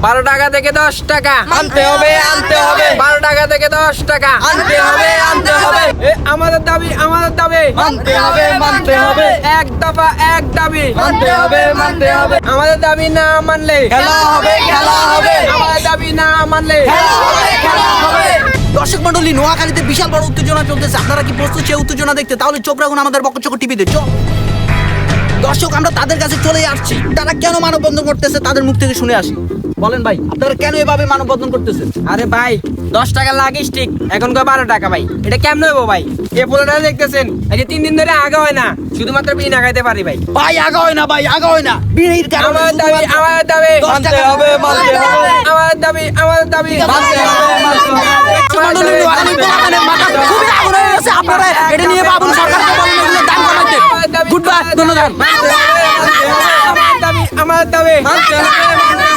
12 টাকা থেকে 10 টাকা আনতে হবে 12 টাকা থেকে 10 টাকা আনতে হবে আমাদের দাবি মানতে হবে এক দফা এক দাবি মানতে হবে আমাদের দাবি না মানলে খেলা হবে আমাদের দাবি না মানলে খেলা হবে। দর্শক মন্ডলী, নোয়াখালীতে বিশাল বড় উত্তেজনা চলতেছে। আপনারা কি প্রস্তুত সেই উত্তেজনা দেখতে? তাহলে চোখ রাখুন আমাদের বকচক টিভিতে। দর্শক, আমরা তাদের কাছে চলে আসছি। তারা কেন মানববন্ধন করতেছে তাদের মুখ থেকে শুনে আসি। বলেন ভাই, আপনারা কেন এভাবে মানববন্ধন করতেছেন? আরে ভাই 10 টাকা লাগিস ঠিক এখন 12 টাকা ভাই, এটা কেমন হইব ভাই? এই পোলাটা দেখতেছেন এই যে 3 দিন ধরে আগা হয় না, শুধুমাত্র বিড়ি না খাইতে পারি ভাই। ভাই আগা হয় না বিড়ির কারণে আমাদের দাবি 10 টাকা আমাদের দাবি মানতে হবে। মন্ডলী, নোয়াখালী পোলাপানের মাথা খুবই আগুন হয়ে গেছে। আপনারা এটা নিয়ে ভাবুন, সরকারকে বলেন এগুলো দাম কমাইতে। গুড বাই, ধন্যবাদ। আমাদের দাবি